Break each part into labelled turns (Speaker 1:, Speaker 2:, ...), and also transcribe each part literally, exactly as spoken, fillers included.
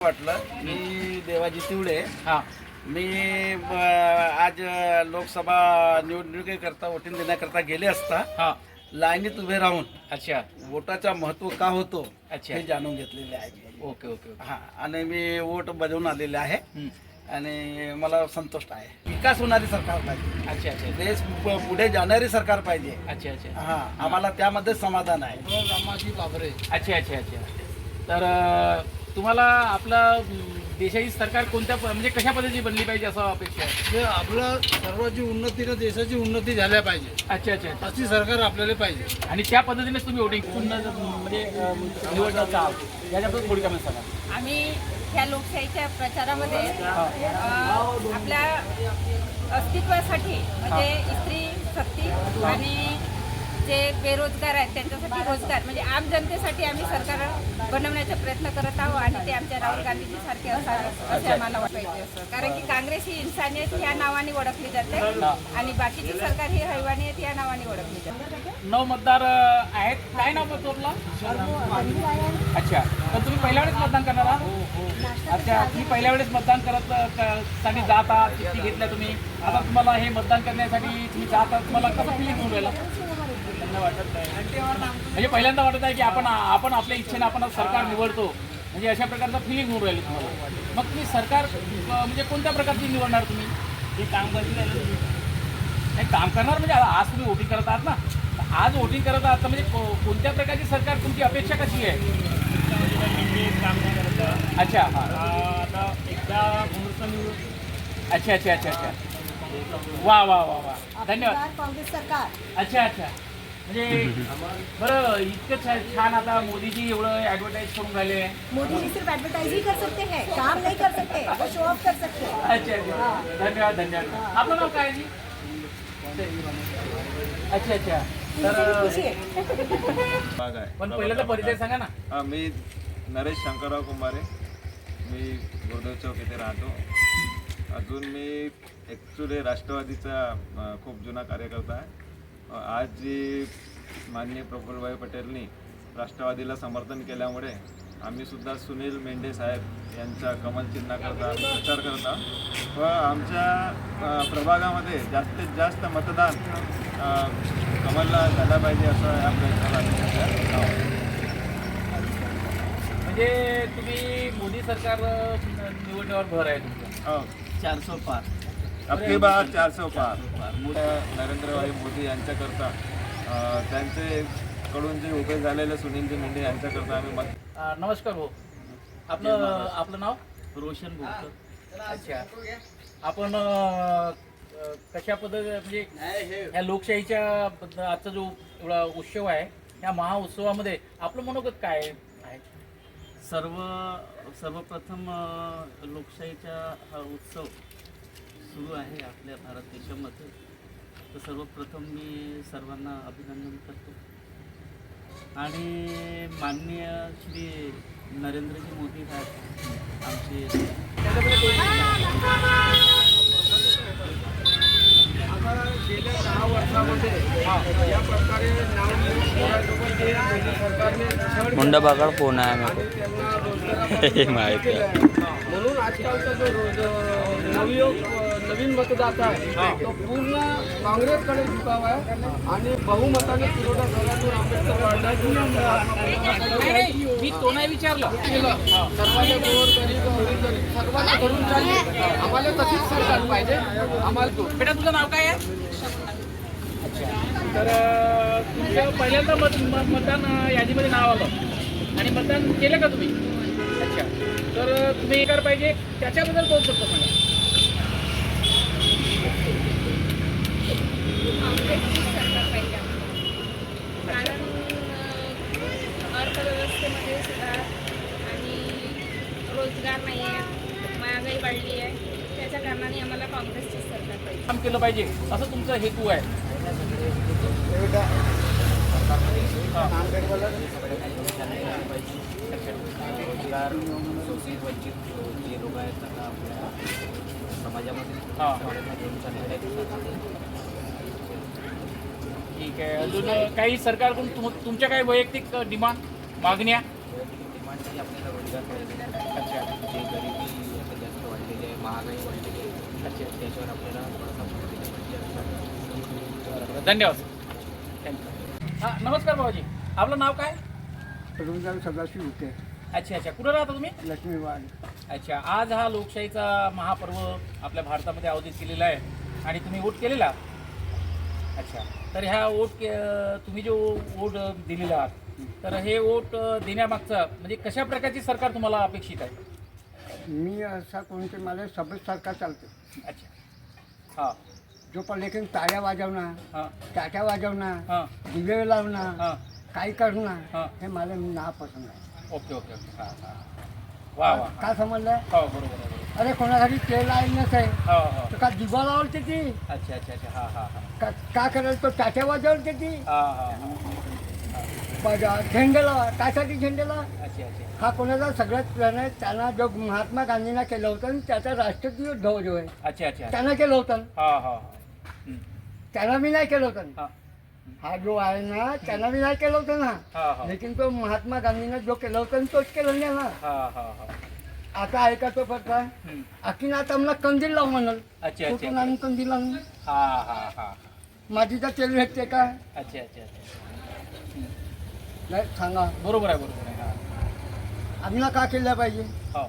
Speaker 1: वाटलं मी देवाजी तिवडे.
Speaker 2: हां
Speaker 1: मी ब- आज लोकसभा निवडणुकीकरता वोटिंग देण्याकरता गेले असता
Speaker 2: हां
Speaker 1: लाईनीत उभे राहून
Speaker 2: अच्छा
Speaker 1: वोटाचा महत्त्व का होतो
Speaker 2: अच्छा
Speaker 1: हे जाणून घेतलेले आहे.
Speaker 2: ओके ओके ओके
Speaker 1: हां, आणि मी वोट बजावून आलेले आहे
Speaker 2: हं.
Speaker 1: आणि मला संतुष्ट आहे. विकास होणारी सरकार पाहिजे,
Speaker 2: अच्छा अच्छा
Speaker 1: देश पु- पुढे जाणारी सरकार पाहिजे.
Speaker 2: अच्छा अच्छा
Speaker 1: हां, आम्हाला त्यामध्ये समाधान आहे.
Speaker 3: रामाजी बाबरे.
Speaker 2: अच्छा अच्छा अच्छा तर अ, तुम्हाला आपला म, देशाची सरकार कोणत्या प- म्हणजे कशा पद्धतीची बनली पाहिजे असं अपेक्षा आहे?
Speaker 3: जे आपलं सर्वांची उन्नती ना देशाची उन्नती झाल्या पाहिजे
Speaker 2: अच्छा अच्छा अच्छा.
Speaker 3: अशी सरकार आपल्याला पाहिजे.
Speaker 2: आणि त्या पद्धतीनेच तुम्ही वोटिंग म्हणजे अ, निवडणं आहात याच्याबद्दल थोडी कमेंट सांगा.
Speaker 4: आम्ही ह्या लोकशाहीच्या प्रचारामध्ये अ, आपल्या अस्तित्वासाठी म्हणजे स्त्री शक्ती आणि जे बेरोजगार आहेत त्यांच्यासाठी रोजगार म्हणजे आम जनतेसाठी आम्ही सरकार बनवण्याचा प्रयत्न करत आहोत आणि ते आमच्या राहुल गांधीजी सारखे असावे असे आम्हाला वाटायचे असं. कारण की काँग्रेस ही इन्सानियत ह्या नावाने ओळखली जाते आणि बाकीची सरकार ही हैवानियत या नावाने ओळखली जाते.
Speaker 2: नऊ मतदार अ, आहेत. काय नाव मत आपलं? अच्छा तर तुम्ही पहिल्या वेळेस मतदान करणार आहात? अच्छा तुम्ही पहिल्या वेळेस मतदान करत क- साठी जात आहात चिठ्ठी घेतल्या तुम्ही आता तुम्हाला हे मतदान करण्यासाठी तुम्ही जात आहात तुम्हाला कसं फिलिंग होऊन राहिलं? वाटत नाही म्हणजे पहिल्यांदा वाटत आहे की आपण आपण आपल्या इच्छेने आपण आज सरकार निवडतो म्हणजे अशा प्रकारचं फिलिंग होऊन राहिलं तुम्हाला. मग तुम्ही सरकार अ, म्हणजे कोणत्या प्रकारची निवडणार तुम्ही? हे काम करतील नाही काम करणार म्हणजे आता आज तुम्ही वोटिंग करत आहात ना तर आज वोटिंग करत आहात तर म्हणजे को- कोणत्या प्रकारची सरकार तुमची अपेक्षा कशी आहे? अच्छा हां
Speaker 3: आता एकदा
Speaker 2: अच्छा अच्छा अच्छा अच्छा वा वा वा वा धन्यवाद.
Speaker 5: कांग्रेस सरकार.
Speaker 2: अच्छा अच्छा म्हणजे बरं इतकं छा- छान आता मोदीजी एवढं ॲडव्हर्टाईज करून राहिले.
Speaker 5: मोदी जी सिर्फ एडवर्टाइज ही कर सकते हैं, काम नहीं कर सकते, वो शो ऑफ कर सकते हैं.
Speaker 2: अच्छा अच्छा धन्यवाद धन्यवाद. आपलं नाव काय आहे जी? अच्छा अच्छा तर
Speaker 5: पूछिए.
Speaker 6: भाग आहे
Speaker 2: पण पहिलं तर परिचय सांगा ना.
Speaker 6: हा, मी नरेश शंकरराव कुंभारे. मी गुरुदेव चौक इथे राहतो. अजून मी ॲक्च्युली राष्ट्रवादीचा अ, खूप जुना कार्यकर्ता आहे. अ, आज जी माननीय प्रफुल्लभाई पटेलनी राष्ट्रवादीला समर्थन केल्यामुळे आम्हीसुद्धा सुनील मेंढे साहेब यांच्या कमल चिन्हाकरता आम्ही प्रचार करत आहोत व आमच्या अ, प्रभागामध्ये जास्तीत जास्त मतदान अ, कमलला झाला पाहिजे असं या प्रयत्नाला आम्ही सध्या आहोत.
Speaker 2: म्हणजे तुम्ही मोदी सरकार अ, निवडण्यावर भर आहे तुमचा.
Speaker 6: हो.
Speaker 1: चारशे पार
Speaker 6: अबकी बार चारशे पार नरेंद्रभाई मोदी यांच्याकरता अ, त्यांचे कडून जे उभे झालेले सुनीलजी मेंढे यांच्याकरता आम्ही मत.
Speaker 2: अ, नमस्कार भाऊ. आपलं आपलं नाव?
Speaker 1: रोशन बोलतो.
Speaker 2: अच्छा आपण अ, अ, कशा पद्धती म्हणजे ह्या लोकशाहीच्या बद्द- आजचा जो एवढा उत्सव आहे या महाउत्सवामध्ये आपलं मनोगत काय आहे?
Speaker 7: सर्व सर्वप्रथम अ, लोकशाहीचा हा उत्सव सुरू आहे आपल्या भारत देशामध्ये. तर सर्वप्रथम मी सर्वांना अभिनंदन करतो आणि माननीय श्री नरेंद्रजी मोदी साहेब आमचे
Speaker 3: आता गेल्या दहा वर्षामध्ये या प्रकारे नाव निवडणुकीमध्ये मोदी सरकारने छळ
Speaker 8: मुंडा बघा फोन आहे
Speaker 3: आणि
Speaker 8: आम्ही
Speaker 3: त्यांना रोजगारापासून
Speaker 8: माहिती आहे.
Speaker 3: केलं आहे. म्हणून आजकालचा जो रोज नवयुग नवीन मतदाता आहे तो पूर्ण काँग्रेसकडे झुकावा आहे आणि बहुमताने पुरवठा झाल्यातून आंबेडकर वाढण्याची
Speaker 2: मी तो नाही विचारलं.
Speaker 3: सर्वांना गोर गरीब गरीब गरीब सर्वांना धरून चालली. आम्हाला तशीच सरकार पाहिजे. आम्हाला तो
Speaker 2: बेटा तुझं नाव काय आहे? तर अ, तुमचं पहिल्यांदा मत म- मतदान अ, यादीमध्ये नाव आलं आणि मतदान केलं का तुम्ही? अच्छा तर अ, तुम्ही हे कर पाहिजे त्याच्याबद्दल बोलू शकतो सांगा.
Speaker 4: काँग्रेसची सरकार पाहिजे कारण अ, अर्थव्यवस्थेमध्ये सुद्धा आणि रोजगार नाही आहे, महागाई वाढली आहे. त्याच्या कारणाने आम्हाला काँग्रेसची सरकार पाहिजे.
Speaker 2: काम केलं पाहिजे असं तुमचं हेतू आहे.
Speaker 7: रोजगार शोषित वंचित जे लोक आहेत त्यांना आपल्या समाजामध्ये
Speaker 2: हां
Speaker 7: घेऊन चाललेले आहेत.
Speaker 2: ठीक आहे. अजून अ, काही सरकारकडून तुम- तुमच्या काही वैयक्तिक डिमांड मागण्या?
Speaker 7: वैयक्तिक डिमांडसाठी आपल्याला रोजगार पाहिजे.
Speaker 2: अच्छा
Speaker 7: तर आपल्याला थोडासा मदतीने पाहिजे असतात.
Speaker 2: धन्यवाद थँक्यू. हां नमस्कार बाबाजी, आपलं नाव काय?
Speaker 3: रुंजाल सदाशिव होते
Speaker 2: अच्छा अच्छा, कुठं राहता तुम्ही?
Speaker 3: लक्ष्मीवाड.
Speaker 2: अच्छा, आज हा लोकशाहीचा महापर्व आपल्या भारतामध्ये आयोजित केलेला आहे आणि तुम्ही वोट केलेला? अच्छा, तर ह्या वोट के तुम्ही जो वोट दिलेला आहात, तर हे वोट देण्यामागचं म्हणजे कशा प्रकारची सरकार तुम्हाला अपेक्षित आहे?
Speaker 3: मी असा कोणते मला सभेत सरकार चालते
Speaker 2: अच्छा हां
Speaker 3: जो पण लेकिन टाळ्या वाजवणार,
Speaker 2: हां
Speaker 3: टाट्या वाजवणार,
Speaker 2: हां
Speaker 3: दिवे लावणार,
Speaker 2: हां
Speaker 3: काही करणार,
Speaker 2: हां.
Speaker 3: हे मला नापसंत आहे.
Speaker 2: ओके ओके ओके हां हां वा वा
Speaker 3: काय समजलं?
Speaker 2: हो बरोबर आहे बरोबर.
Speaker 3: अरे कोणासाठी तेल आहे नसे
Speaker 2: हो हो
Speaker 3: तर का दिवा लावते ती,
Speaker 2: अच्छा अच्छा अच्छा हां हां हां
Speaker 3: का का करेल तो टाट्या वाजवते ती,
Speaker 2: हां हां हां
Speaker 3: पण झेंडेला कासाठी झेंडेला
Speaker 2: अच्छा अच्छा
Speaker 3: हा कोणाचा सगळ्यात प्रण त्यांना जो महात्मा गांधींना केलं होतं आणि त्याचा राष्ट्रीय ध्वज आहे
Speaker 2: अच्छा अच्छा
Speaker 3: त्यांना केलं होतं,
Speaker 2: हां हां हां
Speaker 3: त्यांना मी नाही केलं होतं.
Speaker 2: हां
Speaker 3: हा जो आहे ना त्यांना मी नाही केलं होतं ना,
Speaker 2: हां हां
Speaker 3: लेकिन तो महात्मा गांधीनं जो केलं होतं तोच केलं नाही ना.
Speaker 2: हां हां हां
Speaker 3: आता ऐका तो प्रकार
Speaker 2: हं.
Speaker 3: आखीन आता मला कंदील लाव म्हणाल,
Speaker 2: अच्छा
Speaker 3: कुठून
Speaker 2: अच्छा
Speaker 3: आणून कंदील लावून
Speaker 2: हां हां हां
Speaker 3: माझी तर तेल भेटते का?
Speaker 2: अच्छा अच्छा अच्छा
Speaker 3: नाही सांगा
Speaker 2: बरोबर आहे बरोबर आहे हां
Speaker 3: आम्हाला का केलं पाहिजे?
Speaker 2: हो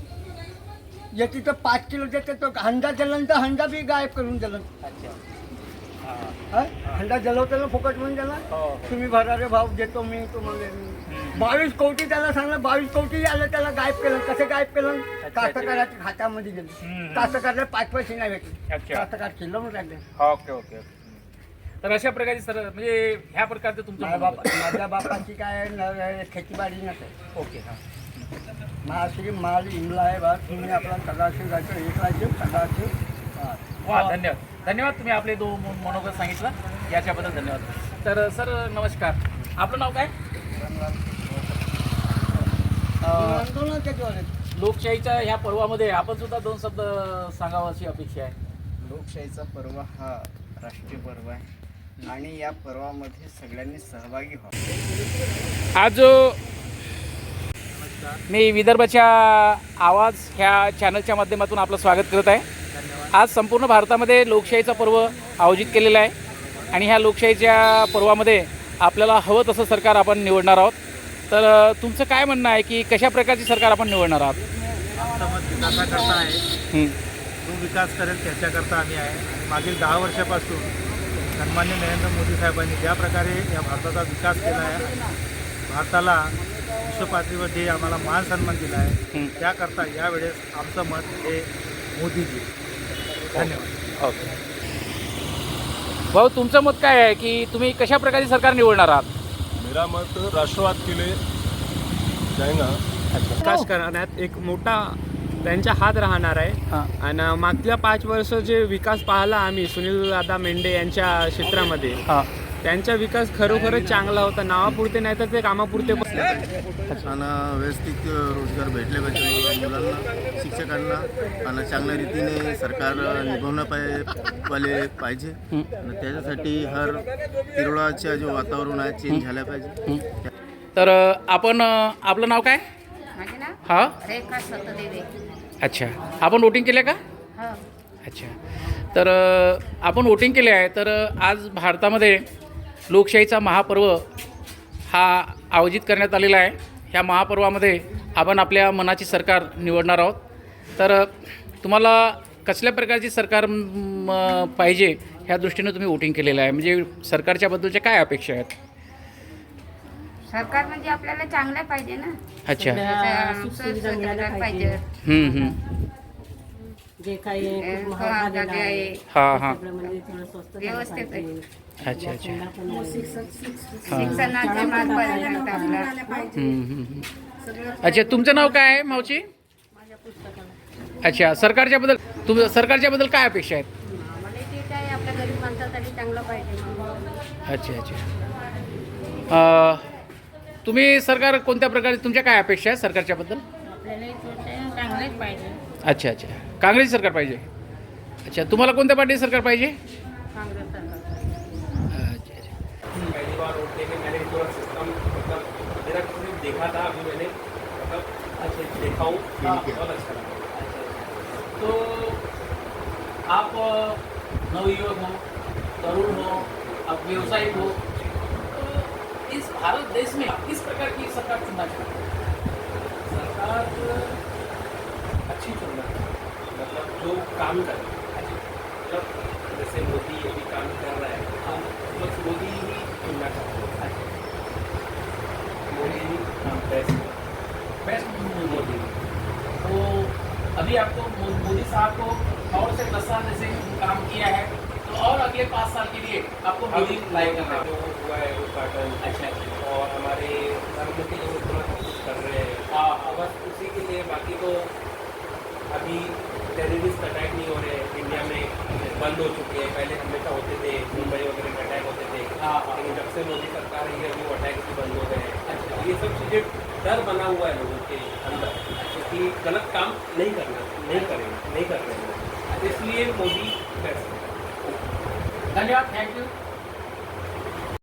Speaker 3: याची तर पाच किलो देते तो हंडा जलन तर हंडा बी गायब करून दिलं.
Speaker 2: अच्छा हां
Speaker 3: हा? हंडा जलवतो ना फुकट म्हणून त्याला
Speaker 2: हो हो
Speaker 3: तुम्ही भरारे भाव देतो मी तुम्हाला. बावीस कोटी त्याला सांगलं, बावीस कोटी आलं त्याला गायब केलं. कसं गायब केलं? कास्तकाराच्या खात्यामध्ये गेलं.
Speaker 2: हम्म.
Speaker 3: कास्तकाराला पाच पैसे नाही भेटले,
Speaker 2: अच्छा.
Speaker 3: कास्तकार केलं मग लागले.
Speaker 2: ओके ओके ओके तर अशा प्रकारची सर म्हणजे ह्या प्रकारचं तुमचं
Speaker 3: माझ्या
Speaker 2: म्हणणं
Speaker 3: बापा माझ्या बापाची काय न- खेतीबाडी नसेल.
Speaker 2: होतं. ओके हां
Speaker 3: महाश्री माल इमला आहे बा, तुम्ही आपला सदाशिव जायचं एक राज्य सदाशिव. हा.
Speaker 2: वा धन्यवाद धन्यवाद तुम्ही आपले दो म- मनोगत सांगितलं याच्याबद्दल धन्यवाद. तर सर नमस्कार, आपलं नाव काय? अं,
Speaker 3: म्हणतो ना त्याच्यावर
Speaker 2: लोकशाहीच्या ह्या पर्वामध्ये आपण सुद्धा दोन शब्द सांगावं अशी अपेक्षा आहे.
Speaker 8: लोकशाहीचा पर्व हा राष्ट्रीय पर्व आहे आणि या पर्वामध्ये सगळ्यांनी सहभागी व्हावं.
Speaker 2: आज जो मी विदर्भाच्या आवाज ह्या चॅनलच्या माध्यमातून आपलं स्वागत करत आहे. आज संपूर्ण भारतामध्ये लोकशाहीचा पर्व आयोजित केलेला आहे आणि ह्या लोकशाहीच्या पर्वामध्ये आपल्याला हवं तसं सरकार आपण निवडणार आहोत. तर अ, तुमचं काय म्हणणं आहे की कशा प्रकारची सरकार आपण निवडणार आहात?
Speaker 9: आमचा मत विकासाकरता आहे,
Speaker 2: हं.
Speaker 9: जो विकास करेल त्याच्याकरता आम्ही आहे. आणि मागील दहा वर्षापासून सन्मान्य नरेंद्र मोदी साहेबांनी ज्या प्रकारे या भारताचा विकास केला आहे, भारताला विश्व पातळीवर जे आम्हाला मान सन्मान दिला आहे,
Speaker 2: हं.
Speaker 9: त्याकरता यावेळेस आमचं मत हे मोदीजी. धन्यवाद.
Speaker 2: ओके भाऊ, तुमचं मत काय आहे की तुम्ही कशा प्रकारची सरकार निवडणार आहात?
Speaker 10: मेरा मत राष्ट्रवाद के लिए जाएगा.
Speaker 11: विकास करण्यात एक मोठा त्यांचा हात राहणार आहे.
Speaker 2: हां
Speaker 11: आणि मागच्या पाच वर्ष जे विकास पाहिला आम्ही सुनील दादा मेंढे यांच्या क्षेत्रामध्ये,
Speaker 2: हां
Speaker 11: त्यांचा विकास खरोखरच चांगला होता. नावापुरते नाही तर ते कामापुरते पण.
Speaker 10: आणि व्यवस्थित रोजगार भेटले पाहिजे मुलांना, शिक्षकांना, आणि चांगल्या रीतीने सरकार निभवणं पाय वाले पाहिजे. आणि त्याच्यासाठी हर तिरोडाच्या जो वातावरण आहे चेंज झालं पाहिजे.
Speaker 2: तर अ, आपण अ, आपलं नाव काय?
Speaker 4: माझे नाव
Speaker 2: हां
Speaker 4: रेखा सतदेवे.
Speaker 2: अच्छा, आपण वोटिंग केलं का?
Speaker 4: हो
Speaker 2: अच्छा, तर अ, आपण वोटिंग केले आहे. तर अ, आज भारतामध्ये लोकशाहीचा महापर्व हा आयोजित करण्यात आलेला आहे. ह्या महापर्वामध्ये आपण आपल्या मनाची सरकार निवडणार आहोत. तर अ, तुम्हाला कसल्या प्रकारची सरकार म, पाहिजे ह्या दृष्टीनं तुम्ही वोटिंग केलेलं आहे, म्हणजे सरकारच्याबद्दलच्या काय अपेक्षा आहेत?
Speaker 4: सरकार म्हणजे आपल्याला चांगलं पाहिजे ना.
Speaker 2: अच्छा.
Speaker 4: त्याचं सुखसुविधा मिळायला पाहिजे.
Speaker 2: हं, हं.
Speaker 5: जे काही
Speaker 4: अं, महागाई आहे,
Speaker 2: हां हां
Speaker 5: म्हणजे थोडं स्वस्त
Speaker 4: व्यवस्थित आहे.
Speaker 2: अच्छा अच्छा.
Speaker 4: शिक्षणाचे मान पाहिजे आपला.
Speaker 2: हं, हं, हं. अच्छा, तुमचं नाव काय आहे मावची? अच्छा, सरकारच्याबद्दल तुम सरकारच्याबद्दल काय अपेक्षा आहेत?
Speaker 5: मला ते काय आपल्या गरीब माणसासाठी चांगलं पाहिजे.
Speaker 2: अच्छा अच्छा. अ, तुम्ही सरकार कोणत्या प्रकारे, तुमच्या काय अपेक्षा आहेत सरकारच्याबद्दल?
Speaker 5: आपल्याला चांगलेच पाहिजे.
Speaker 2: अच्छा अच्छा, काँग्रेस सरकार पाहिजे. अच्छा, तुम्हाला कोणत्या पार्टीचं सरकार पाहिजे?
Speaker 5: काँग्रेस सरकार.
Speaker 2: अच्छा अच्छा.
Speaker 7: पहली बार वोट देके मैंने पूरा सिस्टम मतलब मेरा किसी ने देखा था, अभी मैंने मतलब अच्छा देखा हूँ, बहुत अच्छा लगा.
Speaker 2: तो आप अ, नवयुवक हो, तरुण हो, आप व्यवसायिक हो, तो इस भारत देश में आप किस प्रकार की सरकार चुनना चाहते हैं?
Speaker 7: सरकार अच्छी चुनना मतलब जो काम करे, मतलब जैसे मोदी अभी काम कर रहा है,
Speaker 2: हाँ,
Speaker 7: बस मोदी ही चुनना चाहते हैं। मोदी ही बेस्ट
Speaker 2: बेस्ट
Speaker 7: मोदी।
Speaker 2: तो अभी आपको मो- मोदी साहब को और से दस साल जैसे काम किया है, तो और अगले पाँच साल के लिए आपको मोदी लाइक करना है।
Speaker 7: जो हुआ है उद्घाटन
Speaker 2: अच्छा अच्छा
Speaker 7: और हमारे प्रधानमंत्री जो इतना सब कुछ कर रहे हैं,
Speaker 2: हाँ
Speaker 7: और बस उसी के लिए। बाकी तो अभी टेररिस्ट अटैक नहीं हो रहे इंडिया में, बंद हो चुके हैं। पहले हमेशा होते थे, मुंबई वगैरह में अटैक होते थे,
Speaker 2: हाँ हाँ
Speaker 7: लेकिन जब से मोदी सरकार आई है अभी वो अटैक भी बंद हो गए हैं।
Speaker 2: अच्छा
Speaker 7: ये सब चीज़ें डर बना हुआ है लोगों के अंदर कि गलत काम नहीं करना, नहीं करेंगे, नहीं कर रहे हैं, इसलिए मोदी बेस्ट है।
Speaker 2: धन्यवाद, थैंक यू।